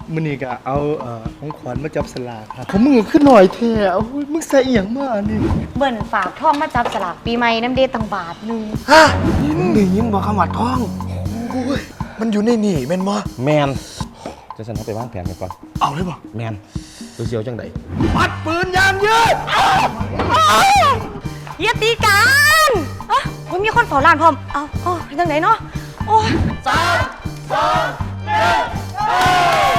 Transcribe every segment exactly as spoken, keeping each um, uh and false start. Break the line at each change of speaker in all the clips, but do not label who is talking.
มื้อนี้ก็เอาเอ่อของขวัญมาจับสลากครับของมึงก็ขึ้นหน่อยแท้โอ้ยมึงใส่อีหยังมานี่
เบิ่นฝากท่องมาจับสลากปีใหม่น้ำเดตังบาทหนึง
ฮะมึงได้ยินบอกคำว่าท้องโอ้ยมันอยู่ในนี่แม่นบ่
แมนจะฉันเอาไปวางแผนกันก่อน
เอาเลยบ่
แมนตัวเชียวจังได
ปัดปืนยามยืด
อย่าตีกันอ่ะโอ้ยมีคนเฝ้าร้านพร้อมเอาเอาไปทางไหนเนาะโอ้ย
สามสองหนึ่ง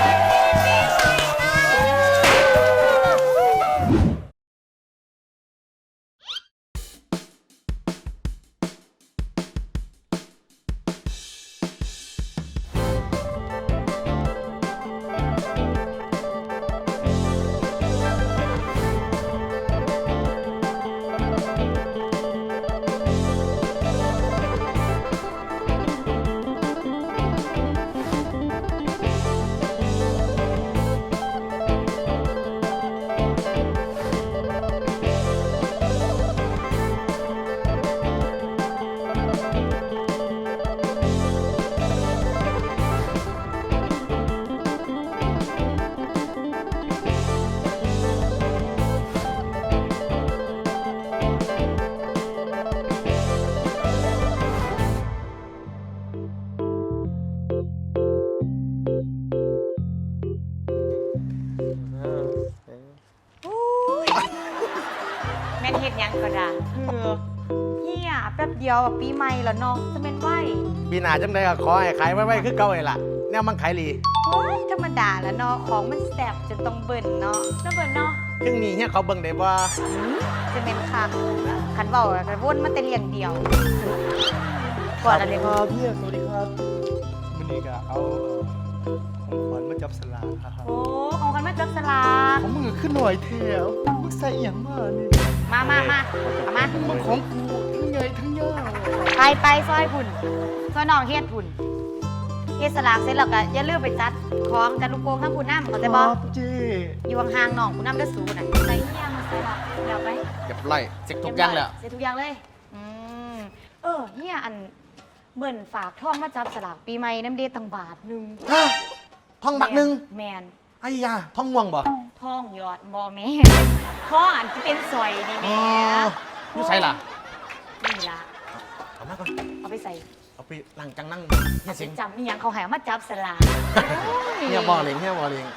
แม่นเฮ็ดหยังก็ได้เออเฮียแป๊บเดียวอะปีใหม่แล้วเนาะจะเป็นไหว
ปีหน้าจังไดก็ขอให้ขายไว้ๆคือเก่าไอ้ล่ะแนวมันขายดี
โอ้ยธรรมดาแล้วเนาะของมันแซ่บจนต้องเบิ่นเนาะแล้วเบิ่นเนาะ
ถึงนี้เฮียเขาเบิ่งได้บ่
จะเป็นคักคันเว้าก็วนมาแต่เรียงเดียวก่อนอะไร
ค
ก็
รับพี่สวัสดีครับมื้อนี้ก็เอาเอ่อของขวัญมาจับสลากครับ
โอ้ของกันมาจับสลาก
ของมึงก็ขึ้นหน่อยแท้มึงใส่อีหยังมานี่
มามามาเอามา
มันของกูทั้งใหญ่ทั้งยาว
ไปไปซอยพุ่นซอยน้องเฮ็ดพุ่นเฮ็ดสลากเสร็จแล้วก็อย่าลืมไปจัดของจัดลูกโป่งทั้งพุ่นน้ำเข้าใจบ่
ครับเจ้
อยู่ห่างๆน้องพุ่นน้ำเด้อสูน่ะใส่เฮียมาใส่ละเดี๋ยวไป
เรียบร้อยเสร็จทุกอย่างแล้ว
เสร็จทุกอย่างเลย อืม เออเฮียอันเบิ่นฝากท่องมาจับสลากปีใหม่น้ำเดตังบาทหนึง
ฮะท้องบักหนึง
แมน
ไอ้ยาท้องม่วงบ่
ท่องยอดบอแม่ท่องอันที่เป็นซอยนี่แม่
อยู่ใส่ล่ะ
นี่ล่ะ
เอามาก่อน
เอาไปใส่
เอาไปล้างจังนั่งเฮีย
ไป
สิง
จำนี่ยังเขาใหามาจับสลาก
เฮียบ่เลี้ยงเฮียบ่เลี้ยง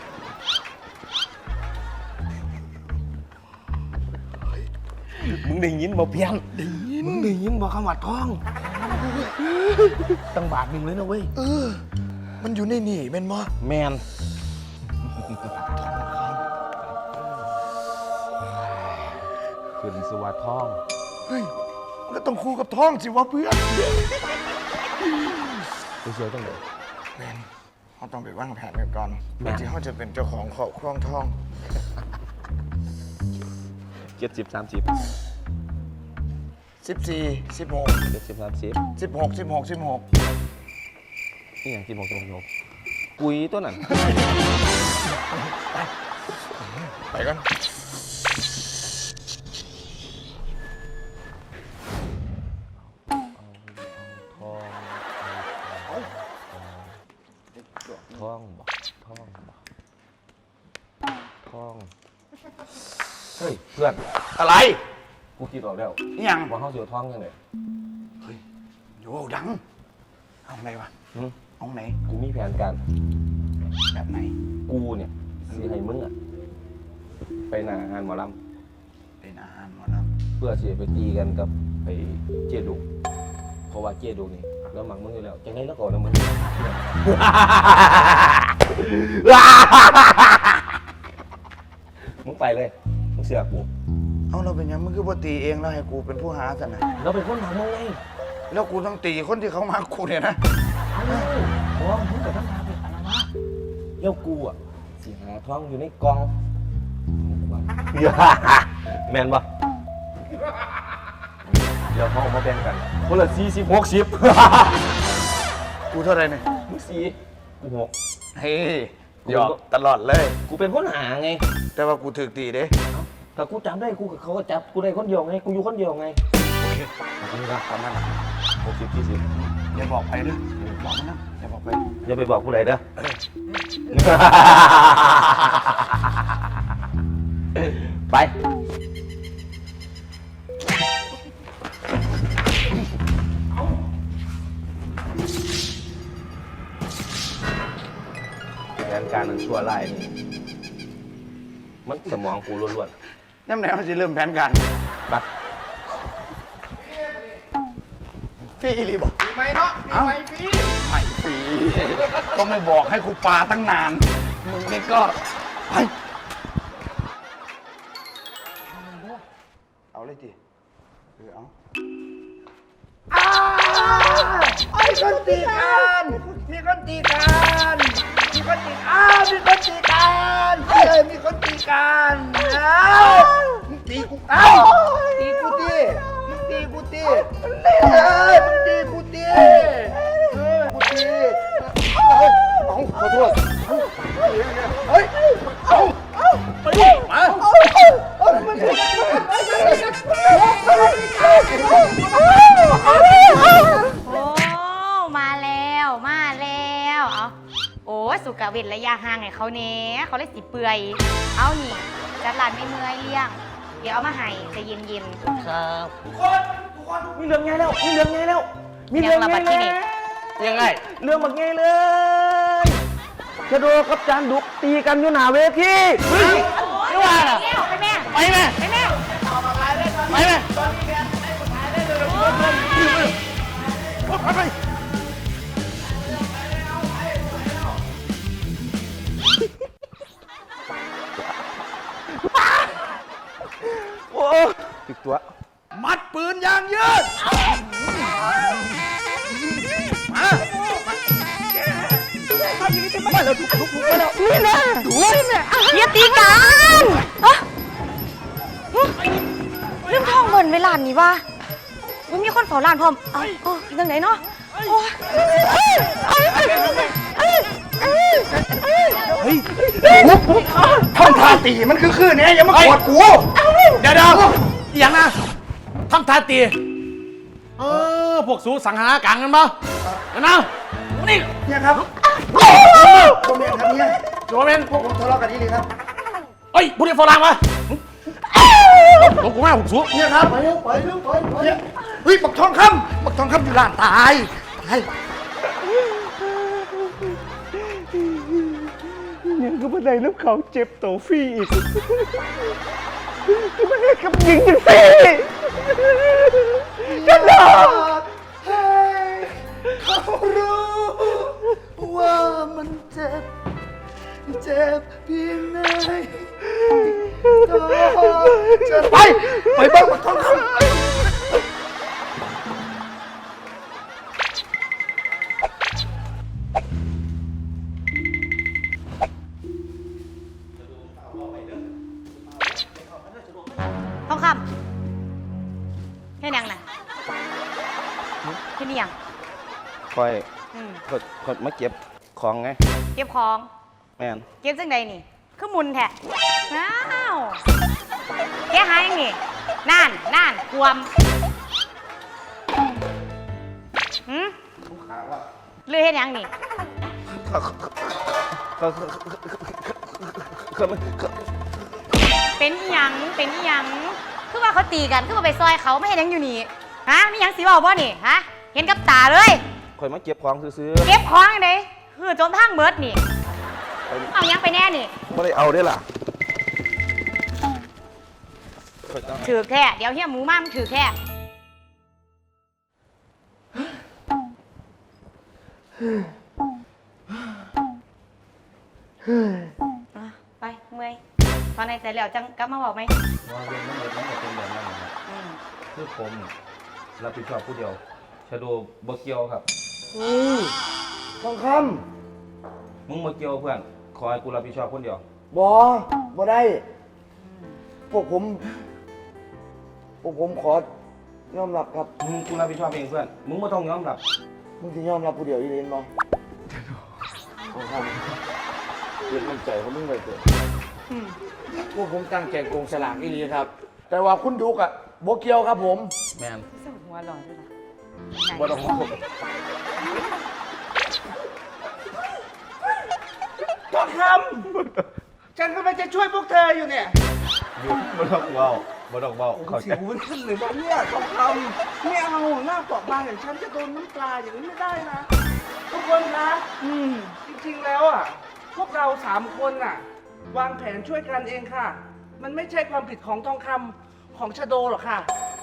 มึงได้ยินบ่เพียง
มึงได้ยินบอกคำว่าท้อง
ตั้งบาทหนึ่งเลยนะเว้ย
เออ มันอยู่ในนี่แม่นบ่
แมนขึ้นสวัสดท้อง
เฮ้ยมันก็ต้องคู่กับท้องสิวะเพื่อน
ตัวเชียวจังได
แม่นเขาต้องไปวางแผนกันก่อนเพื่อที่เขาจะเป็นเจ้าของครอบครองท้อง
เจ็ดสิบสามสิบ
สิบสี่ สิบหก
เจ็ดสิบสามสิบ
สิบหก สิบหก สิบหก
นี่อย่างสิบหกสิบหกสิบหกกุยตัวนั้น
ไปก่อน
ทองทองบ่ทองบ่ทองเฮ้ยเพื่อน
อะไร
กูคิดออกแล้ว
นี่ยัง
ว่าเขาเสียวท้องยังไง
เฮ้ยโยดัง เอาไหนวะ
หืม
เอาไหน
กูมีแผนการ
แบบไหน
กูเนี่ยสิให้มึงอะไปหน้างานหมอล
เป็นอาหารหมดแล้ว
ำเพื่อสิไปตีกันกับไอ้เจดุกเพราะว่าเจดุกนี่แล้วหมักมึงอยู่แล้วจังไงแล้วก่อนนะมึง มึงไปเลยมึงเสือกกู
เอาเราเป็นยังมึงคือปตีเองแล้วให้กูเป็นผู้หาสันนะ
เราเป็นคนทำมึงไง
แล้วกูต้องตีคนที่เขามากูเนี่ยนะ
เพราะว่ามึงกับทั้งทางเป็นอะไรวะเลี้ยวกูอ่ะสิหาท้องอยู่ในกองแมนปะเดี๋ยวเขาออกมาแบ่งกันคนละสี่สิบหกสิบ
กูเท่าไหรเนี่ย
มึงสี่กูหก
เฮ้ยหยอกตลอดเลย
กูเป็นคนหาไง
แต่ว่ากูถึกตีเด้
แต่กูจำได้กูกับเขาก็จับกูได้คนเดียวไงกูอยู่คนเดียวไง
โอเคขอบคุณครับประมาณนั้น
หกสิบสี่สิบ
อย่าบอกใครด้วย
โอเค
บอกมันนะอย่าบอกไป
อย่าไปบอกผู้ใดเด้อไปแผนการมันชั่วร้ายนี่มันสมองกูล้วน
ย่ำไหนมันจะเริ่มแผนการ
ๆบัด
พี่อีรีบอกปีไหมเนาะปีไหมพี่ไม่ปีก็ไม่บอกให้ครูปาตั้งนานมึงนี่ก็ไปเอาเลยจีเออเอาไอ้คนตีกันมีคนตีกันมีคนตีอ้าวมีคนตีกันเฮ้ยมีคนตีกันอ้าวมึงตีกูอ้าวตีกูตีมึงตีกูตีเฮ้ยมึงตีกูตีเฮ้ยกูตีเฮ้ยเอาขอโทษเฮ้ยเอาเอาไปดิมา
โอ้มาแล้วมาแล้วเอาโอ้สุกเวทระยะห่างให้เขาเนี้ยเขาเลยสิเปื่อยเอานี่จัดร้านไม่เมื่อยเลี้ยงเดี๋ยวเอามาให้ใจเย็นๆ
ครับทุกคนทุกคนมีเรื่องไงแล้วมีเรื่องไงแล้วมีเรื่องไงแล้วยังไงเรื่องแบบไงเลยชะโดกับจานดุกตีกันอยู่หน้าเวทีเฮ้ยไม่ว่าน่ะ
ไปแม่
ไปไหม
ไปแม่
ไปไหมไปโอ้ติดตัว
มัดปืนยางยืดมามาแล้วทุกทุกมาแล้วนี่แหละดูนี่แหละ
เฮียตีกันอะเรื่องห้องเงินเวลานี้ว่ามันมีคนเฝ้าร้านพร้อมเอ้าเออยังไงเนาะโอ้ย
เฮ้ยทำท่าตีมันคือคืนเนี่ยอย่ามากดกู
เดี๋ยวเดี๋ยวอย่างนะทำทาตีเออพวกสูสังหารกังกันปะเดี๋ยวนะนี่
เนี่ยครับผมเรียนครับเนี่ย
โจเมน
พวกผมทะเลาะกันนี่เลยครับ
เฮ้ยผู้เรียนฝรั่งมาหลงกูแม่ผมสู
เนี่ยครับไปเร็วไปเร็วไปเนี่ยเฮ้ยบักทองคำบักทองคำอยู่ร้านตายตาย
ยังก็ไม่ได้แล้วเขาเจ็บโตฟรีอีกก็ไม่ได้กับยิงจังสิกันหรอเขารู้ว่ามันเจ็บเจ็บเพียงไหนจะไปไปบ้างบักทองคำ
ทองคำแค่ยังน่ะแค่นี้ยัง
คอย
อืม
คอยคอยมาเก็บของไง
เก็บของ
แม่น
เก็บจังใดนี่คือมุนแท้อ้าวแกหายังนี่นั่นนั่นควมหืมเลือเฮ็ดหยังนี่
เขาเขาเขา
เป็นอีหยังเป็นอีหยังคือว่าเขาตีกันคือว่าไปซอยเขาไม่เห็นหยังอยู่นี่ฮะมีหยังสิเว้าบ่นี่ฮะเห็นกับตาเลย
คอยมาเก็บของซื้อ
เก็บของจังไดคือจนทางเบิดนี่
ๆไป
เอาหยังไปแน่นี่
ไม่ได้เอาได้ล่ะข้อยต้อง
ถือแค่เดี๋ยวเฮียหมูมามันถือแค่อ่ะไปเมื่อยตอนไหนเสร็จแล้วจังกลับมาบอกไหม
ว่าเรื่องมันเลยมันเป็นแบบนั้นนะครับ
อืม
คือผมรับผิดชอบผู้เดียวชาโดบ่เกี่ยวครับ
ทองค
มึงบ่เกี่ยวเพื่อนขอให้กูรับผิดชอบคนเดียว
ำบอบ่ได้ พวกผม พวกผมขอยอมรับครับ
มึงกูรับผิดชอบเองเพื่อนมึงไม่ต้องยอมรับ
มึงจะยอมรับผู้เดียวอีเลนบอทองคำเกิดมั่นใจเขามึงไปเกิด
อืม
พวกผมตั้งใจโกงสลากอีลีครับ แต่ว่าคุณดุกอะบ่เกี่ยวครับผม
แมน
สู้หัวหลอนด้วยนะ
บ่ต้องห่วง
คำฉันกำลังจะช่วยพวกเธออยู่เนี่ย
บ่ต้องเว้าบ่ต้องเว้าเข้า
สิ
ใจ
วมันขึ้นเลยบอกเนี่ยทองคำไม่เอาหน้าเปราะบางอย่างฉันจะโดนน้ำปลาอย่างนี้ไม่ได้นะ ทุกคนคะอืมจริงๆแล้วอ่ะ พวกเราสามคนอ่ะ วางแผนช่วยกันเองค่ะ มันไม่ใช่ความผิดของทองคำของชาโดหรอกค่ะ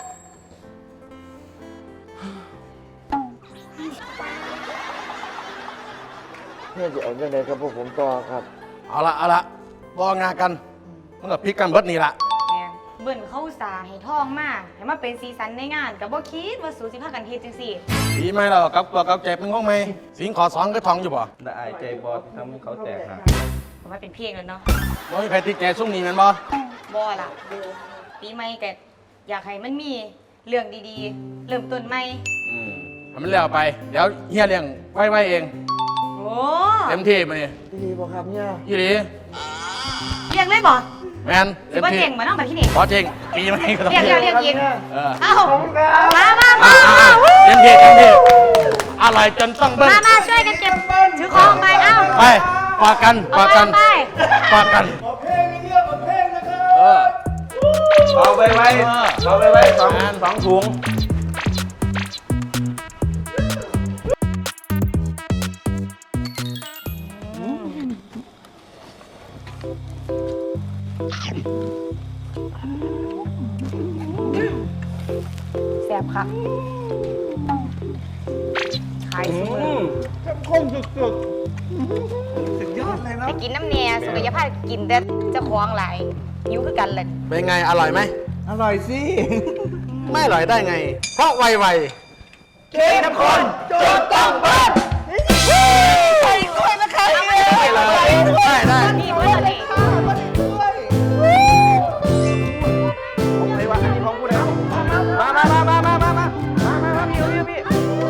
เพื่อจะเอาเรื่องใดกับพวกผมต่อครับ
เอาละเอาละบอกงานกันมันก็พลิกกันเบิดนี่ละ
แม่นเบิ่นเข้าสาให้ทองมากให้มาเป็นสีสันในงานกับบ่คิดว่าสูสิพากันเฮ็ดจังซี่
ดีไหมเรากับตัวกับใจเป็นของไหมสิงขอสองก็ทองอยู่บ่
ได้อายใจบอดทำให้เขาแตกหัก
ผมว่าเป็นเพลงแล้วเนาะ
บ่มีใครติดใจซุ่มนี้แมันบ่
บ่ล่ะปีใหม่ก็อยากให้มันมีเรื่องดีๆ เริ่มต้นใหม่
อืมให้มันแล้วไป เดี๋ยวเฮียเลี้ยงไว้ไว้เอง
โอ้
เต็มที่มานี่
ดีป่ะครับเนี่ย
ยี่หลี
เรียกเลยบ่
แมน
สิ
เต็ม
บ่
ที่
เจ๋งบ่น้องบัดที่นี่
ขอจริงปีใหม่ก็ต้อง
เรียกเรียกเรียกอีก
เออ
เอ้ามามามา
อ่ะอ่ะอ่ะเต็มที่เต็มที่อร่อยจนต้องเบิ้ง
มามาช่วยกันเก็บถือของไปเอ้า
ไปปากกันปากกัน
เอาไป
ปากกัน
ขอเพลงเรื่องขอเพลงนะครับ
เออ
เอาไปไว้เอาไปไว้สองสองถุง
แซ่บค่ะขายซุมื้อ
เข้มข้นสุดๆสุดยอดเลยนะ
ไปกินน้ำแหน่สุขภาพกินแต่เจ้าของหลายหิวคือกันเลย
เป็นไงอร่อยไหม
อร่อยสิ
ไม่อร่อยได้ไง เพราะไวไว
เค้กน้ำข้นโจนต้องเบิ้ลใส่ด้วยนะคะ
ได้เลยได้ได้
นี่เพื่อนนี่
ผมเลยว่าอันนี้ของผู้ใดมามามามามามามามามามาพี่พี่พี่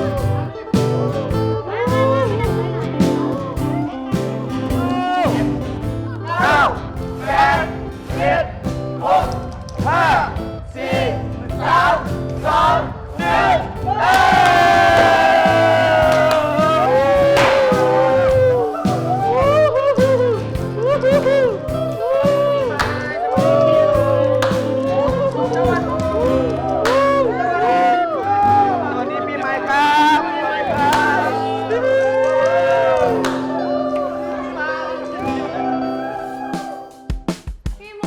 เก้าแปดเจ็ดหกห้าสี่สามสองหนึ่งเอ้สวัสดีปีใหม่ครับปีใหม่ครับ
พี่หมู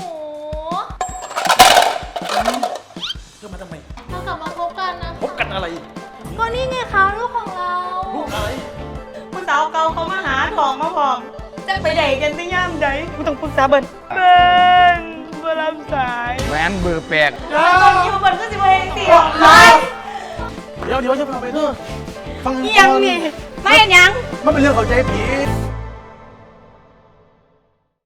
เพื่อมาทำไม
เรากลับมาพบกันนะ
พบกันอะไร
ก็นี่ไงคะลูกของเรา
ลูกอะไร
ผู้สาวเก่าเขามาหาทองมาพร้อมจะไปไหนกันที่ย่ามใดกูต้องปรึกษาเบิ้นเบิ้นบ่รับสาย
แหวนเบอร์แปลก
ตอนนี้มาเบิ้นก็สิบ่เฮ็ดสิ
เดี๋ยวเดี๋ยวจะพาไปเถอะฟัง
อีหยังนี่
ไม่เห็นยัง
มันเป็นเรื่องเข้าใจผิ